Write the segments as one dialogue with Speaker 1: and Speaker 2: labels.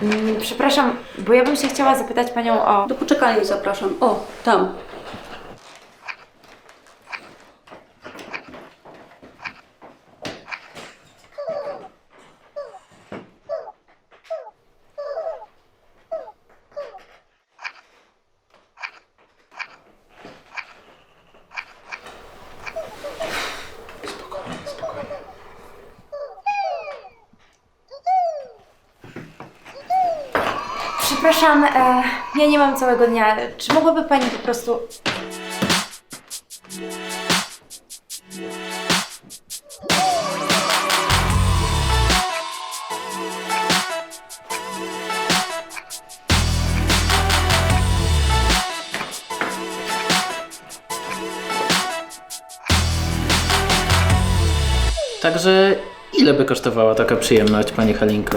Speaker 1: Przepraszam, bo ja bym się chciała zapytać panią o...
Speaker 2: Do poczekalni zapraszam. O, tam.
Speaker 1: Przepraszam, ja nie mam całego dnia. Czy mogłaby pani po prostu...
Speaker 3: Także ile by kosztowała taka przyjemność, pani Halinko?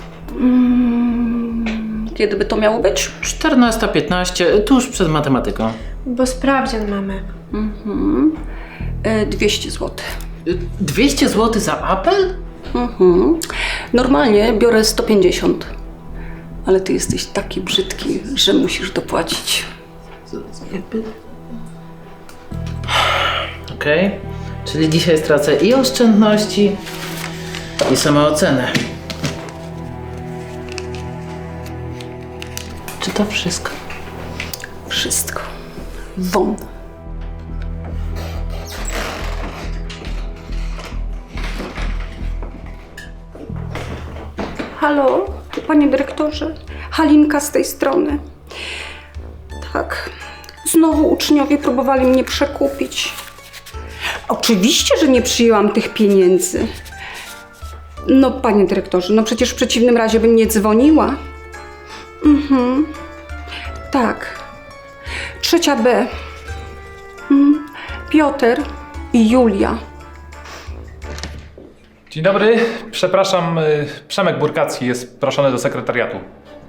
Speaker 2: Kiedy by to miało być?
Speaker 3: 14:15, tuż przed matematyką.
Speaker 1: Bo sprawdzian mamy.
Speaker 2: 200 zł.
Speaker 3: 200 zł za apel?
Speaker 2: Normalnie biorę 150. Ale ty jesteś taki brzydki, że musisz dopłacić.
Speaker 3: Okej. Czyli dzisiaj stracę i oszczędności, i samoocenę. Czy to wszystko?
Speaker 2: Wszystko. Won. Halo, panie dyrektorze. Halinka z tej strony. Tak. Znowu uczniowie próbowali mnie przekupić. Oczywiście, że nie przyjęłam tych pieniędzy. No, panie dyrektorze, no przecież w przeciwnym razie bym nie dzwoniła. Tak. 3B. Piotr i Julia.
Speaker 4: Dzień dobry, przepraszam, Przemek Burkacki jest proszony do sekretariatu.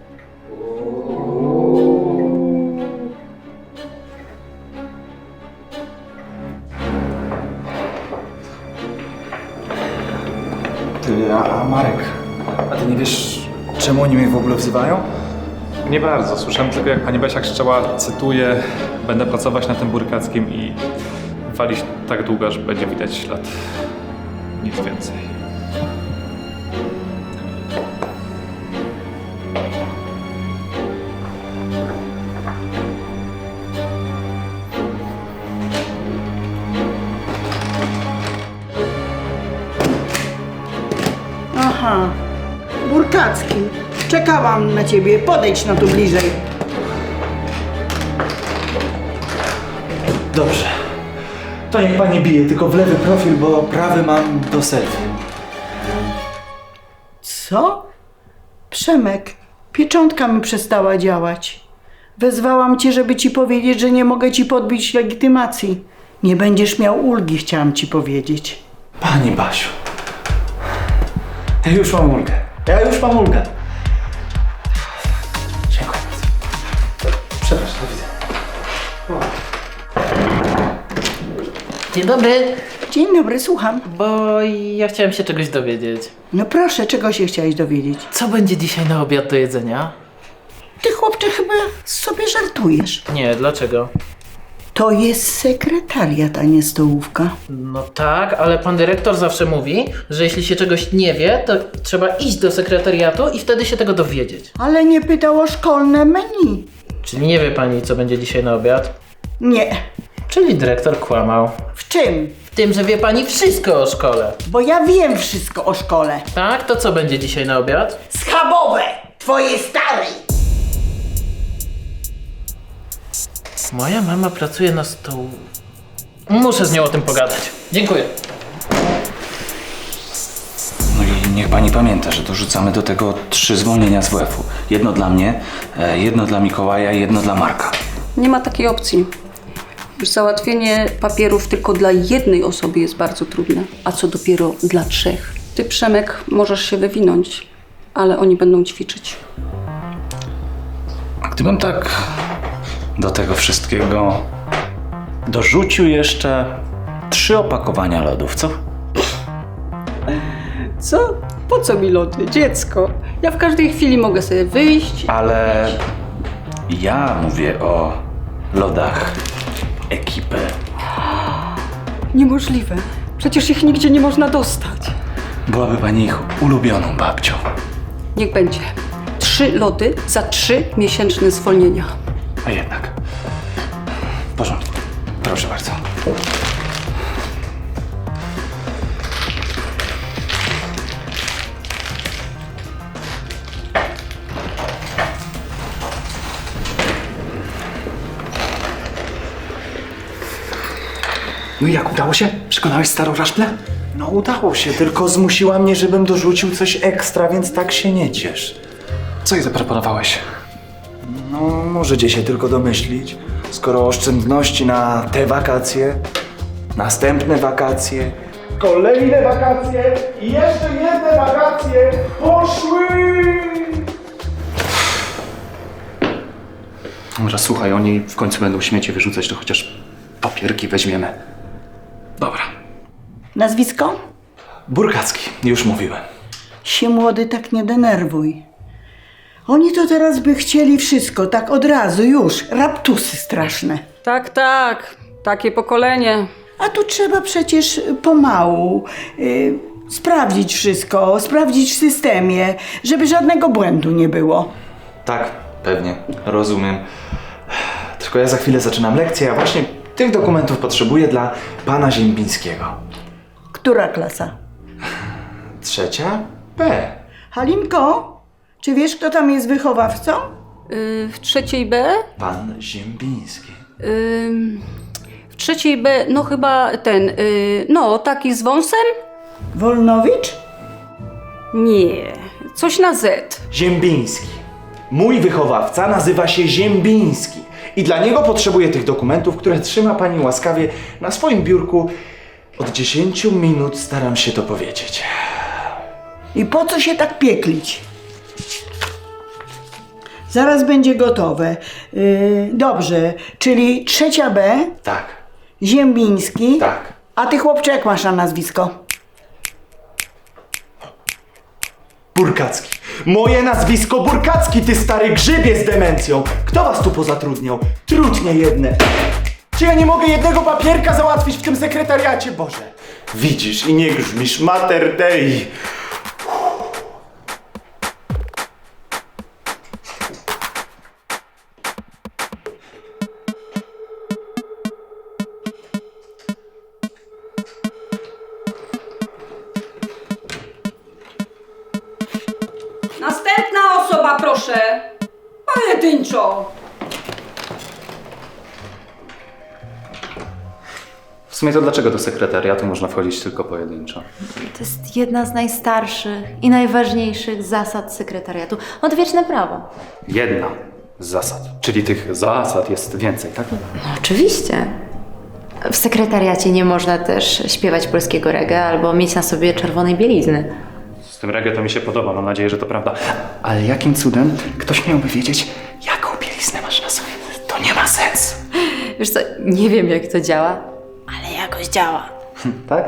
Speaker 5: Ty, a Marek, a ty nie wiesz, czemu oni mnie w ogóle wzywają?
Speaker 4: Nie bardzo, słyszałem tylko jak pani Basia krzyczała, cytuję, będę pracować na tym Burkackim i walić tak długo, że będzie widać ślad. Nic więcej.
Speaker 6: Aha, Burkacki, czekałam na ciebie, podejdź no tu bliżej.
Speaker 5: Dobrze. To niech pani bije, tylko w lewy profil, bo prawy mam do selfie.
Speaker 6: Co? Przemek, pieczątka mi przestała działać. Wezwałam cię, żeby ci powiedzieć, że nie mogę ci podbić legitymacji. Nie będziesz miał ulgi, chciałam ci powiedzieć.
Speaker 5: Pani Basiu. Ja już mam ulgę. Dziękuję bardzo. Przepraszam, do widzenia.
Speaker 3: Dzień dobry,
Speaker 6: Dzień dobry, słucham.
Speaker 3: bo ja chciałem się czegoś dowiedzieć.
Speaker 6: No proszę, czego się chciałeś dowiedzieć?
Speaker 3: Co będzie dzisiaj na obiad do jedzenia?
Speaker 6: Ty, chłopcze, chyba sobie żartujesz.
Speaker 3: Nie, dlaczego?
Speaker 6: To jest sekretariat, a nie stołówka.
Speaker 3: No tak, ale pan dyrektor zawsze mówi, że jeśli się czegoś nie wie, to trzeba iść do sekretariatu i wtedy się tego dowiedzieć.
Speaker 6: Ale nie pytał o szkolne menu.
Speaker 3: Czyli nie wie pani, co będzie dzisiaj na obiad?
Speaker 6: Nie.
Speaker 3: Czyli dyrektor kłamał.
Speaker 6: W czym?
Speaker 3: W tym, że wie pani wszystko o szkole.
Speaker 6: Bo ja wiem wszystko o szkole.
Speaker 3: Tak? To co będzie dzisiaj na obiad?
Speaker 6: Schabowe! Twojej starej!
Speaker 3: Moja mama pracuje na stołu. Muszę z nią o tym pogadać. Dziękuję.
Speaker 7: No i niech pani pamięta, że dorzucamy do tego 3 zwolnienia z WF-u. Jedno dla mnie, jedno dla Mikołaja i jedno dla Marka.
Speaker 2: Nie ma takiej opcji. Już załatwienie papierów tylko dla jednej osoby jest bardzo trudne, a co dopiero dla 3. Ty, Przemek, możesz się wywinąć, ale oni będą ćwiczyć.
Speaker 7: A gdybym tak do tego wszystkiego dorzucił jeszcze 3 opakowania lodów, co?
Speaker 2: Co? Po co mi lody? Dziecko. Ja w każdej chwili mogę sobie wyjść.
Speaker 7: Ale ja mówię o lodach ekipy.
Speaker 2: Niemożliwe. Przecież ich nigdzie nie można dostać.
Speaker 7: Byłaby pani ich ulubioną babcią.
Speaker 2: Niech będzie. 3 lody za 3-miesięczne zwolnienia.
Speaker 7: A jednak. W porządku. Proszę bardzo.
Speaker 5: No i jak, udało się? Przekonałeś starą raszplę? No udało się, tylko zmusiła mnie, żebym dorzucił coś ekstra, więc tak się nie ciesz.
Speaker 7: Co jej zaproponowałeś?
Speaker 5: No, możecie się tylko domyślić. Skoro oszczędności na te wakacje, następne wakacje, kolejne wakacje i jeszcze jedne wakacje poszły!
Speaker 7: Może słuchaj, oni w końcu będą śmieci wyrzucać, to chociaż papierki weźmiemy. Dobra.
Speaker 6: Nazwisko?
Speaker 5: Burkacki, już mówiłem.
Speaker 6: Się młody tak nie denerwuj. Oni to teraz by chcieli wszystko, tak od razu, już. Raptusy straszne.
Speaker 2: Tak, tak. Takie pokolenie.
Speaker 6: A tu trzeba przecież pomału sprawdzić wszystko, sprawdzić w systemie, żeby żadnego błędu nie było.
Speaker 5: Tak, pewnie, rozumiem. Tylko ja za chwilę zaczynam lekcję, a właśnie tych dokumentów potrzebuję dla pana Ziembińskiego.
Speaker 6: Która klasa?
Speaker 5: 3. B.
Speaker 6: Halinko, czy wiesz, kto tam jest wychowawcą?
Speaker 2: W 3 B?
Speaker 5: Pan Ziembiński.
Speaker 2: W 3 B, no chyba ten, no taki z wąsem?
Speaker 6: Wolnowicz?
Speaker 2: Nie, coś na Z.
Speaker 5: Ziembiński. Mój wychowawca nazywa się Ziembiński. I dla niego potrzebuję tych dokumentów, które trzyma pani łaskawie na swoim biurku. Od 10 minut staram się to powiedzieć.
Speaker 6: I po co się tak pieklić? Zaraz będzie gotowe. Dobrze, czyli 3. B,
Speaker 5: Tak,
Speaker 6: Ziembiński.
Speaker 5: tak.
Speaker 6: A ty, chłopcze, jak masz na nazwisko?
Speaker 5: Burkacki. Moje nazwisko Burkacki, ty stary grzybie z demencją. Kto was tu pozatrudniał? Trudnie jedne. Czy ja nie mogę jednego papierka załatwić w tym sekretariacie? Boże. Widzisz i nie grzmisz, Mater Dei.
Speaker 2: Następna osoba, proszę. Pojedynczo.
Speaker 7: W sumie to dlaczego do sekretariatu można wchodzić tylko pojedynczo?
Speaker 1: To jest jedna z najstarszych i najważniejszych zasad sekretariatu. Odwieczne prawo.
Speaker 7: Jedna z zasad. Czyli tych zasad jest więcej, tak?
Speaker 1: No oczywiście. W sekretariacie nie można też śpiewać polskiego reggae albo mieć na sobie czerwonej bielizny.
Speaker 7: Z tym reggae to mi się podoba, mam nadzieję, że to prawda. Ale jakim cudem ktoś miałby wiedzieć, jaką bieliznę masz na sobie? To nie ma sensu.
Speaker 1: Wiesz co, nie wiem jak to działa, ale jakoś działa.
Speaker 7: Tak?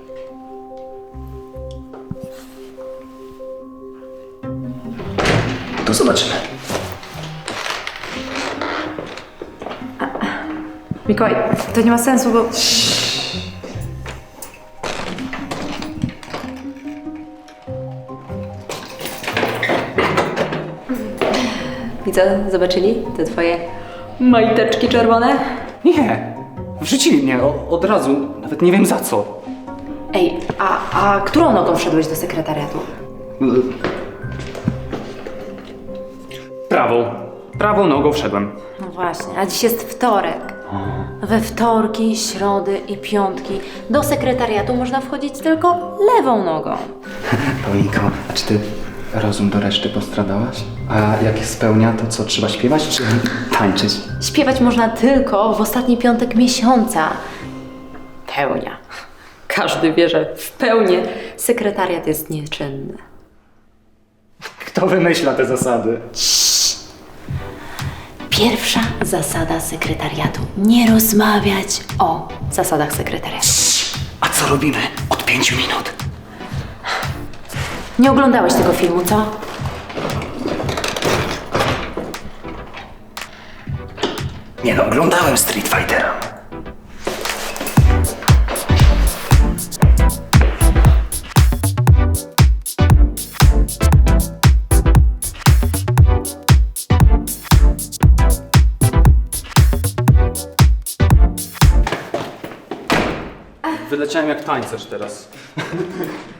Speaker 7: To zobaczymy.
Speaker 1: Mikołaj, to nie ma sensu, bo... I co, zobaczyli te twoje majteczki czerwone?
Speaker 7: Nie. Wrzucili mnie od razu. Nawet nie wiem za co.
Speaker 1: Ej, a którą nogą wszedłeś do sekretariatu?
Speaker 7: Prawą nogą wszedłem.
Speaker 1: No właśnie, a dziś jest wtorek. We wtorki, środy i piątki do sekretariatu można wchodzić tylko lewą nogą.
Speaker 7: Paulinko, a czy ty rozum do reszty postradałaś? A jak spełnia, to co, trzeba śpiewać czy tańczyć?
Speaker 1: Śpiewać można tylko w ostatni piątek miesiąca. Pełnia. Każdy wie, że w pełni sekretariat jest nieczynny.
Speaker 7: Kto wymyśla te zasady?
Speaker 1: Pierwsza zasada sekretariatu. Nie rozmawiać o zasadach sekretariatu.
Speaker 7: A co robimy od 5 minut?
Speaker 1: Nie oglądałeś tego filmu, co?
Speaker 5: Nie no, oglądałem Street Fightera.
Speaker 8: Wyleciałem jak tańcerz teraz.